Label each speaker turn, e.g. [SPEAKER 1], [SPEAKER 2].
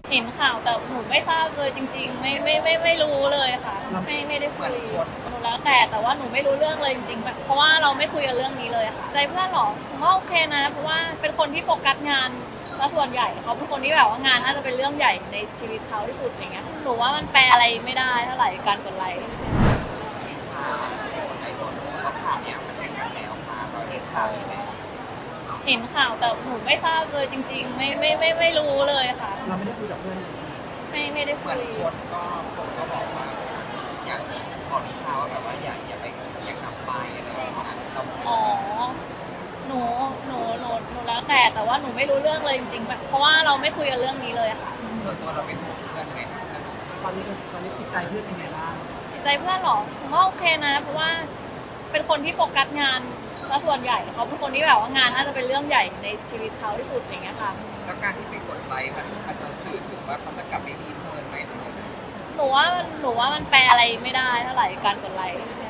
[SPEAKER 1] เห็นข่าวแต่หนูไม่ทราบเลยจริงๆไม่รู้เลยค่ะไม่ได้คุยหนูแล้วแต่ว่าหนูไม่รู้เรื่องเลยจริงๆแบบเพราะว่าเราไม่คุยกันเรื่องนี้เลยค่ะใจเพื่อนหรอผมว่าโอเคนะเพราะว่าเป็นคนที่โฟกัสงานซะส่วนใหญ่เขาเป็นคนที่แบบว่างานน่าจะเป็นเรื่องใหญ่ในชีวิตเขาที่สุดอย่างเงี้ยหนูว่ามันแปลอะไรไม่ได้เท่าไหร่การกดไลค์
[SPEAKER 2] วิชาไอ้ตัวนู้นก็ข่าวเนี้ยมันเป็นกระแสออกมาเราเห็นข่าวนี้ไหม
[SPEAKER 1] เห็นข่าวแต่หนูไม่ทราบเลยจริงๆไม่รู้เลยค่ะ
[SPEAKER 3] เราไม่ได้คุยกับเพื่อนเลยใช่ไหม
[SPEAKER 1] ไม่ได้
[SPEAKER 2] เห
[SPEAKER 1] คุ
[SPEAKER 2] มือน
[SPEAKER 1] ย
[SPEAKER 2] คนก็บอกว่าอยากขอวิชาว่าแบบว่าอย่าไปอย่ากลับไปอะไรประมาณนั้นเรา
[SPEAKER 1] อ๋อหนูแล้วแต่ว่าหนูไม่รู้เรื่องเลยจริงๆแบบเพราะว่าเราไม่คุยกันเรื่องนี้เลยค่ะ
[SPEAKER 2] ส่วนตัวเราเป็นห่วงเพื่อนไหม
[SPEAKER 3] ตอนนี้จิตใจเพื่อนเป็นไงบ้าง
[SPEAKER 1] จิตใจเพื่อนหรอผมว่าโอเคนะเพราะว่าเป็นคนที่โฟกัสงานซะส่วนใหญ่เขาเป็นคนที่แบบว่างานน่าจะเป็นเรื่องใหญ่ในชีวิตเขาที่สุดอย่างเงี้ยค่ะ
[SPEAKER 2] แล้วการที่ไปกดไลค์มันจะสื่อถึงว่าเขาจะกลับไปมีเพื่อนไหม
[SPEAKER 1] หนูว่ามันแปลอะไรไม่ได้เท่าไหร่การกดไลค์